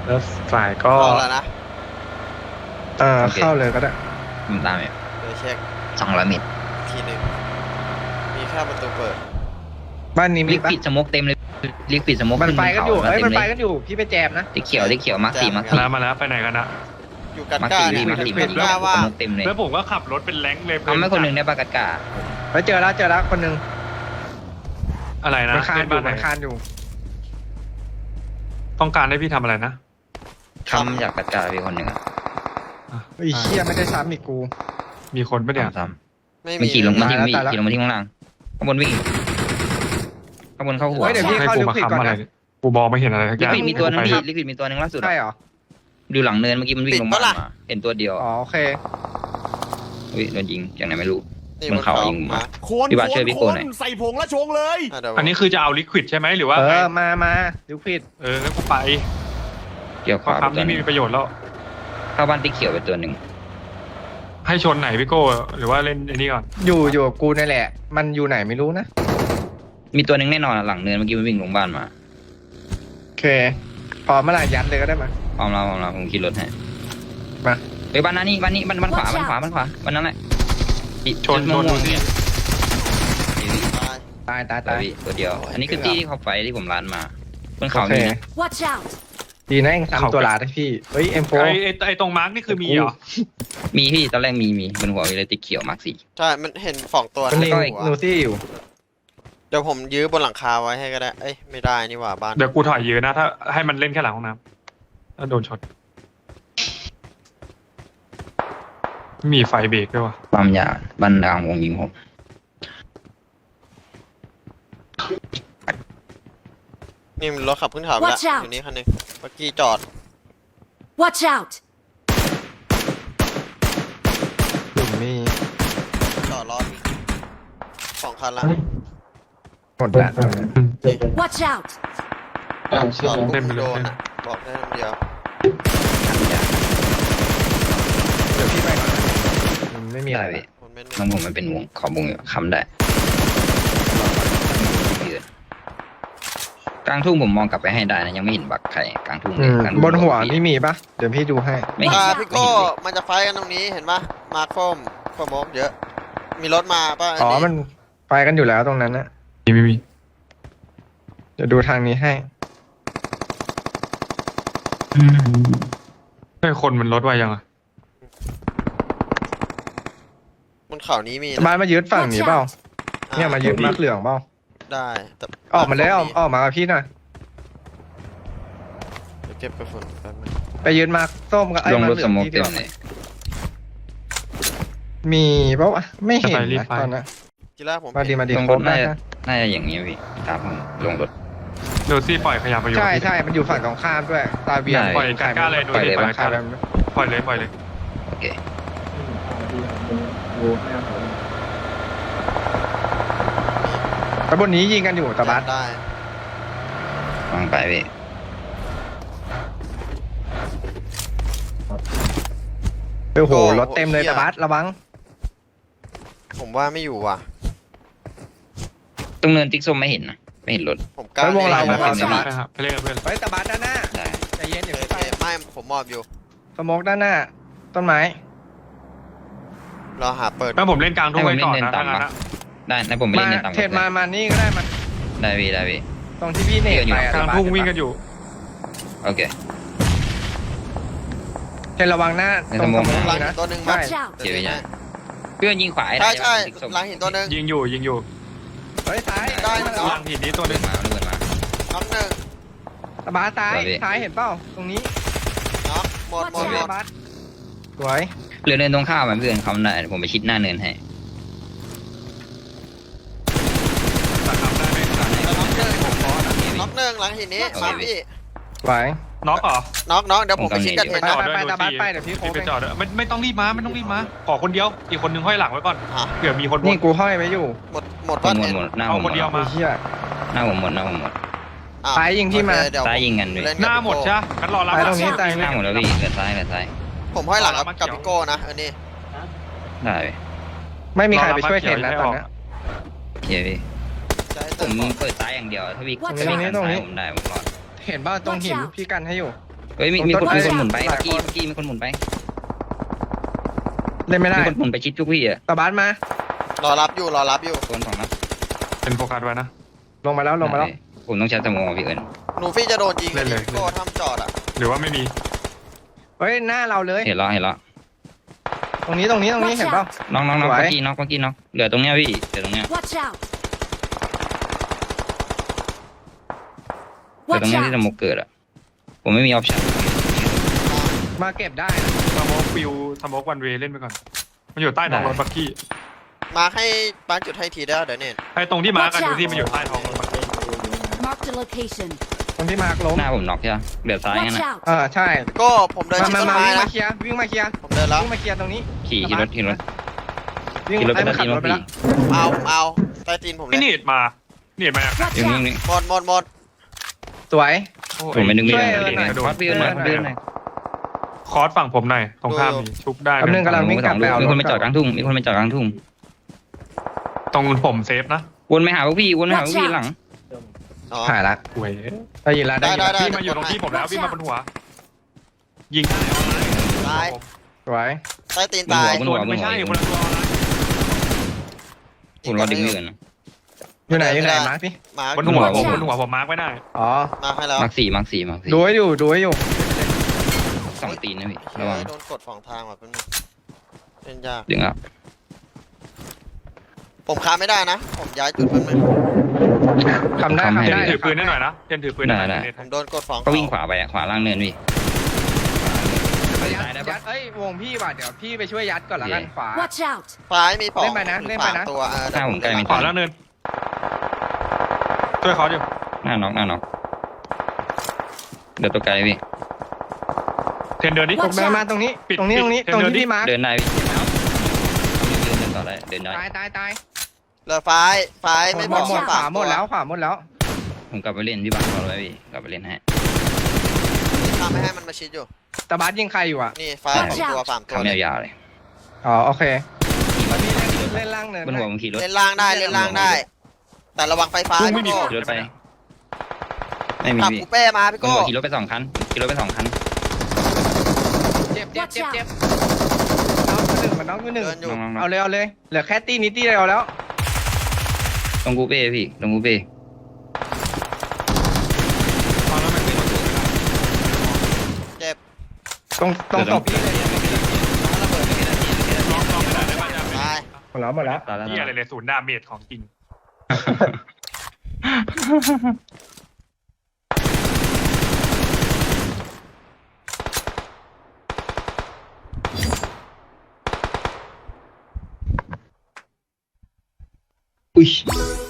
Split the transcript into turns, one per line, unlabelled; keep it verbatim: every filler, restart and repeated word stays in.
แล้วฝ่ายก็
เข้าแล้วนะ
เออเข้าเลยก็ได้
มันตามอยู่
เดี๋ยวเช็ค
สองร้อยเมตร
ทีหนึ่งมีแค่ประตูเปิด
บ้านนี้
ลิ
มี
ก
ปะ
ปิดสโมกเต็มเลยลิกปิดสโมก
มันไปกันอยู่
ขึ้
เอ้ย
บ
มัน
ขา
ไปกันอยู่พี่ไปแจมนะ
สีเขียวสีเขียวมาร์คสี่มาร์คสี่
มาแล้วมาแล้วไปไหนกันนะ
อยู่กัน
มาร์ค
ก้า
สี่
เนี่ย
มาร์คสี่
กั
มาน ร์คสี่
ก้าว่า
สโมกเต็มเลย
แล้วผมก็ขับรถเป็นแรงค์เลย
เอาไม่คนหนึ่งได้ปะกัดกา
ไปเจอแล้วเจอแล้วคนหนึง
อะไรนะ
มันคาน
เล่น
อยู่
บ้านไหน
มันคานอยู่
ต้องการให้พี่ทำอะไรนะ
ทำจากกัดกาพี่คนหนึ่งอะ
อ่ะ
ไอ้เชี่ยไม่ได้ซ้ำอีกกู
มีคนปะเนี่ย
ทำซ้
ไม่
ำมัน
มี
ขี่ลงมาที่
ตายแล้ว
วิ่ง
ตายแล้ว
ขี่ลงมาที่ข้างล่างข้างบนวิ่งข้างบนเข้าหัว
เฮ้ยเดี๋ยวพี่
ให้
เข้า
กู
ลิ
มา
ควิดก่อน
ค้ำอะไร
นะ
เนี่ยกูมองไม่เห็นอะไรสักอ
ลิ
ย่าง
ควิดมีตัวนึง
ไป
พี่ลิควิดมีตัวนึงล่าสุด
ใช่
อะ
เหรอ
ดูหลังเนินเมื่อกี้มันวิ่งลงมามาเห็นตัวเดียว
อ๋อโอเค
อุ้ยโดนยิงจากไหนไม่รู้
นี่
มันเข่ายิงมา
โคน
พี่บาส
โค
ช่วย
น
พี่
โค
โก้
น
หน่อย
ใส่ผงและชงเลย
อ่ะเดี๋ยว
อันนี้คือจะเอาลิควิดใช่ไหมหรือว่า
เอ
ไง
อมามาลิควิด
เอองั้นกูไป
เกี่ยว
เพ
ขวา
ราะ
ไป
คำ
ตัว
นี้
หนึ
มี
ง
ประโยชน์แล้ว
เข้าบ้านติ๊กเขียวไปตัวหนึ่ง
ให้ชนไหนพี่โก้หรือว่าเล่นไอ้นี่ก่อน
อยู่อยู่กับกูนี่แหละ มันอยู่ไหนไม่รู้นะ
มีตัวหนึ่งแน่นอนอะหลังเนินเมื่อกี้มันวิ่งลงบ้านมา
โอเคพอเมื่อไหร่ยัดเลยก็ได้มา
พร้อมแล้วพร้อมแล้วผมขี่รถให้
มา
เฮ้ยบ้านนั้นนี่บ้านนี้บ้านบ้านขวาบ้านขวาบ้านขวาบ้านนั้นแหละอี
ชนช
ม่วน ง
ดู
ๆ
สิ
เนี่ย
ตาย
ตายตาย
ตา
ตาย ย
พี่ตัวเดียว อันนี้คือที่ที่เขาไฟที่ผมร้านมาบน
โอ
เขา
เค
มีนะ
Watch out!
ดีนะเองทำตัวหลาดให้พี่เฮ้ยเอ็มโฟ
ไอ้ไอ้ไอ้ตรงมาร์กนี่คือมีเหรอ
มีพี่ตอนแรกมีมีบนหัวมีเลยติ๊กเขียวมาร์คสี่
ใช่ มันเห็นสองตัว
มัน
ใน
นี่
หั
นู
ว
ซี่อยู่
เดี๋ยวผมยื้อบนหลังคาไว้ให้ก็ได้ เอ้ยไม่ได้นี่หว่าบ้าน
เดี๋ยวกูถอยเยอะนะถ้าให้มันเล่นแค่หลังห้องน้ำแล้วโดนช็อตมีไฟเบรกด้วยวะ
ความยาวบ้านกลางวงยิงผม
นี่มันรถขับขึ้นเขาไปแล้ว
Watch out
อยู่นี่คันหนึงเมื่อกี้จอด
Watch out!
กลุ่มมี
จอดรอดสองคันละ
หมดแล้ว
Watch out!
จอดปุ๊บ
เล่นไปเลย
โดนอะบอกได้คำเดียว
เดี๋ยวพี่ไปก่อนนะมันไม่มีอะไร
ได้พี่
คนไม่
น้องผมมันเป็นวงขอบวงอยู่ค้ำได้กลางทุ่งผมมองกลับไปให้ได้นะยังไม่เห็นบักใครกลางทุ่ง
อืม
กลางทุ่ง
บนหัวนี่มีปะเดี๋ยวพี่ดูให้
ไม่เห็น
อ่า
ไม่
พี่
เห็น
โก้
เลย
มันจะไฟท์กันตรงนี้เห็นปะมาโคมโคมกเยอะ มีรถมาป่ะ
อ๋อมันไปกันอยู่แล้วตรงนั้นนะ
มีมีมี
เดี๋ยวดูทางนี้ให้
ไอ้คนมันลดไวยังอะ
บนเขานี้มีนะ
บ้านมายึดฝั่งนี้เปล่าเนี่ยมายึดมาร์คเหลืองเปล่า
ได้แต่
ออกมาเลยออกออกมากับพี่หน่อย
เดี๋ยวเก็บกระสุนแป๊บนึง
ไปยืนมาร์คส้มกับไอ้
ลง
มาร์
ร
ค
ถ
เหลื
ส
อง
โมก
ที่
เต็
เดี
ม
ยว
เลย
มีเปล่าวะไม่เห็นนะตอนนั้น
ทีแรกผม
มาดีมาดี
ลง
ค
ร
ร
ถ
บ
น่า
นะ
จะน่าจะอย่างนี้พี่ตามผมลงรถ
โดซี่ปล่อยขยับไปอยู่
ใช่ใช่มันอยู่ฝั่งตรงข้ามด้วย ตาเบียร์
ได้
ปล่อยกาก้าเลยโดซี่ปล่อย
ใคร
กาก้า
แบบ
ปล่อยเลยปล่อยเลย
โอเค
แล้วบนนี้ยิงกันอยู่ตะบัส
ได้
วางไปพี่
โอ้โหรถเต็มเลยตะบัสระวัง
ผมว่าไม่อยู่ว่ะ
ตรงเนินติ๊กส้มไม่เห็นนะไม่เห็นรถ
ผมกล้า
ไปวงเรา
ล่น
วงเรา
นะ
ตะบัส
ไปครับไปเล่นกับเพื่อน
เฮ้ยตะบัสด้านหน้า
ได้
ใจเย็นอย่า
โอ
เพิ่ง
เค
ไป
ไม่ผมมอบอยู่
สโมกด้านหน้า ต้นไม้
รอหาเปิด
แม่ผมเล่นกลางทุ่งไว้ก่อนนะถ้างั้นนะ
ได้นะผมไป
มา
เล่นในต่าง
เทรดมามานี่ก็ได้มา
ได้พี่ได้พี่
ตรงที่พี่เนตไปอะ
กลาง
ตะบัส
ทุ่งวิ่งกันอยู่
โอเค
เทรดระวังหน้าตรงสโมก
หลัง
นี่
หิ
นะ
นตัวหนึ่ง
ใช่
Watch out!
เดี๋ยวพี่เพื่อนยิงขวาให้
ใช่
ได้
ใช่
ติ๊กส้ม
หลังหินตัวหนึ่ง
ยิงอยู่ยิงอยู่
เฮ้ยซ้าย
ได้นะ
หลังหินนี้ตัวห
เดิ
นึ
น
ง
มาเดินมา
น็อกหนึ่ง
ตะบัสซ้าย
สวยพี่
ซ้ายเห็นเปล่าตรงนี้
น็อกหมดหมดหม
ตะ
ด
บัสสวย
เหลือเนินตรงข้ามมันเพื่อนเขาได้ผมไปชิดหน้าเนินให้
ตัดทำได้ไหมตัด
น็อกหนึ่งน็อกหนึ่งหลังหินนี้มาพี่
สวย
น็อกเหรอ
น็อกน็อกเดี๋ยวผมไปชิดกันเห็น
ไป
นะ
ไปไปตะบัสไปเดี๋ยวพี่โค้ง
ไป
ไป
จอดด้วยไม่ไม่ต้องรีบมาไม่ต้องรีบมาขอคนเดียวอีกคนนึงห้อยหลังไว้ก่อน
อ่ะ
เผื่อมีคนบ
นี่
น
กูห้อยไว้อยู่
หมดหมด
หม
ว่า
ดหมด
เห็น
หมดหน้า
เอา
ผมหม
คน
ด
เดียว
ไอ้
มา
เหี้ย
หน้าผมหมดหน้าผมหมด
อ่ะ
ซ้ายยิงที่มา
โอเคเดี๋ยว
ซ้ายยิงกันพี่
เล่น
ห
กับ
น้าหมด
พี่โก้
ใช่งั้นรอรับ
ไปตรงนี้ตาย
หน้าหมดแล้วพี่เหลือซ้ายเหลือซ้าย
ผมห้อยหลังกับกับพี่โก้นะเออนี่
ได้พี่
ไม่มีใครไปช่วยเทรดนะตอนเนี้ย
โอเคพี่
จะให้
ผ
เติ
ม
มก่อน
เปิดซ้ายอย่างเดียวถ้าพี่
Watch
ตรงนี้ตรงนี้
ผมได้ผมรอด
เห็นป่ะตรงหินพี่กันให้อยู่
เฮ้ยมีมีคนมีคนหมุนไปเมื่อกี้เมื่อกี้มีคนหมุนไป
เล่นไม่ได้
มีคนหมุนไปชิดทุกพี่อะ
ตะบัสมาร
อรับอยู่รอรับอยู่
โดนของนะ
เป็นโฟกัสไว้นะ
ลงมาแล้วลงมาแล้ว
ผมต้องใช้สมองพี่เอิญ
หนูฟี่จะโดนยิง
เล่นเลย
โก้ทำจอดอ่ะ
หรือว่าไม่มี
เฮ้ยหน้าเราเลย
เห็นแล้วเห็นแล้ว
ตรงนี้ตรงนี้ตรงนี้เห็นเปล่า
น้องน้องน้อง
สวย
เมื่อกี้น้องเมื่อกี้น้องเหลือตรงเนี้ยพี่เหลือตรงเนี้ย
Watch out!
เหลือตรง
Watch
เนี้ยที่ส
out!
มองเกิดอะผมไม่มีออปชั่น
มาเก็บได้นะ
สโมกฟิวสโมกวันเวย์เล่นไปก่อน มันอยู่ใต้ท้องรถบักกี้
มาให้ป้าจุดให้ทีได้เดี๋ยวเนี่ย
ไอ้ตรงที่มาร์กันดูที่มันอยู่ใต้ท้องรถบักกี้
Marked a location.
ตรงที่มาร์คล้ม
หน้าผมน็อกใช่ไหมเหลือซ้ายงั้น
Watch
นะ
out!
เออใช่
โก้ผมเดิน
มา
ชิด
มา
ต้น
มา
ไม้
วิ่ง
นะ
มาเคลียร์วิ่งมาเคลียร์
ผมเดินแล้ว
วิ่งมาเคลียร์ตรงนี้
ขี่ขี่รถขี่รถ
วิ่ง
ขี่รถไป
ไอ้
ตะ
ขับ
กี้
ร
ร
ถ
ถ
ไป
พี่
แล้ว
เอาเอาใต้ตีนผมเล
พี่
ย
เนียดมาเนียดมา
Watch
อยู่นี่
out!
นี่
หมดหมดหมด
สวย
โอ้
ผมไม่นึกไม่
ช่วย
ได้
เอิญหน่อย
คอสพี่เอิญหน่อยพี่เอิญหน่อย
คอร์สฝั่งผมหน่อยตรงข้ามมีชุบได้
แป๊บนึงกำลังวิ่งกลับไปเอา
มี
ร
คน
ถ
ไปจอดกลางทุ่งมีคนไปจอดกลางทุ่ง
ตรงผมเซฟนะ
วนไปหาพวกพี่วนไปหาพวกพี่หลัง
อ๋อ
หายละ
หวย
ได้ยินละได้ยิน
ได้
ละ
ได้
พี่มาอยู่ตรงที่ผมแล้วพี่มาบนหัว ยิงได้
ตาย
สวย
ใต้ตีน
บน
ตา
หั
ยว
บนหัวบน
ไม่
หัว
ใช่คนละตัวนะ
ผมรอดึงพี่เอิญนะ
อยู่ไหนอยู่ไหนมาร์คพี่
มา
บนหัว
บนหัว
บนหัวผมมาร์กไว้ได้
อ๋อ
มาให้แล้ว
มาร์คสี่มาร์คสี่มาร์คสี่
ดูให้อยู่ดูให้อยู่
สองตีนนะพี่
เฮ้
ระวัง
ยโดนกดสองทางว่ะเพื่อนเล่นยาก
ดึงอ่ะ
ผมค้าไม่ได้นะ ผมย้ายจุดเพื่อนง
ทำได้
ทำให้
ทำได้
เทนถือปืนได้หน่อยนะเทนถือปืนได้หน่อย
ผมโดนกดสอง
ก็วิ่งขวาไปอะขวาล่างเนินพี่
ยัด
ได้ได้ปะ
ยัดเอ้ยวงพี่ว่ะเดี๋ยวพี่ไปช่วยยัดก่อนละกันขวา
Watch out!
ซ้ายมีปอก
เล่นไปนะเล่นไปนะ
สามตัวเออ
หน้าผมใกล้ไม่
ขวาแล้วเนินช่วยเขาดิ
หน้าน็อกหน้าน็อกเดี๋ยวตัวไกลพี่
เทนเดินดิ
ตกเดินมาตรงนี้
ปิด
ตรงนี้
ปิด
ตรงนี้
เดิน
ตรง
เดินดิ
ที่พี่มาร์ค
เดินได้พี่เดินเดินต่อได้เดินได้
ตายตายตาย
เหลือซ้ายซ้าย
หม
ไม่
ด
บ
หม
อ
ด
ก
หมดขวา
สาม
หมดแล้วขวาหมดแล้ว
ผมกลับไปเล่นที่บ้านเราไว้พี่กลับไปเล่นให้
ทำไม่ให้มันมาชิดอยู่
ตะบัสยิงใครอยู่อ่ะ
นี่ซ้ายสองตัวสามตัว
ทำยาวๆเลย
อ๋อโอเคพี่เล่นเล่นล่างเนิน
บนหัวผมขี่รถ
เล่นล่างได้เล่นล่างได้ แต่ระวังไฟฟ้า
พุ่งไม่มี
พี่
ก
โก้
ด
ขี่รถไปไม่มี
ขับ
พี่
คูเป้มาพี่
บน
โก้
หัวขี่รถไปสองคันขี่รถไปสองคัน
เจ็บเจ็บเจ็บเจ็บน้องอยู่หนึ่งมันน้องอยู่หนึ่ง
เดินอยู่
น้องๆ
เอาเลยเอาเลยเหลือแค่ตีนิดเดียวแล้ว
ตรงกูเป้พี่ตรงกูเป้
เจ็บ
ตรงตรงศพพี่เลย
ลองลองไม่ได้ได้ป่ะ
ตาย
หมดแล้วหมดแล้ว
ตายแล้ว
ที่อะไรเลยศูนย์ดาเมจของจริง
อุ้ย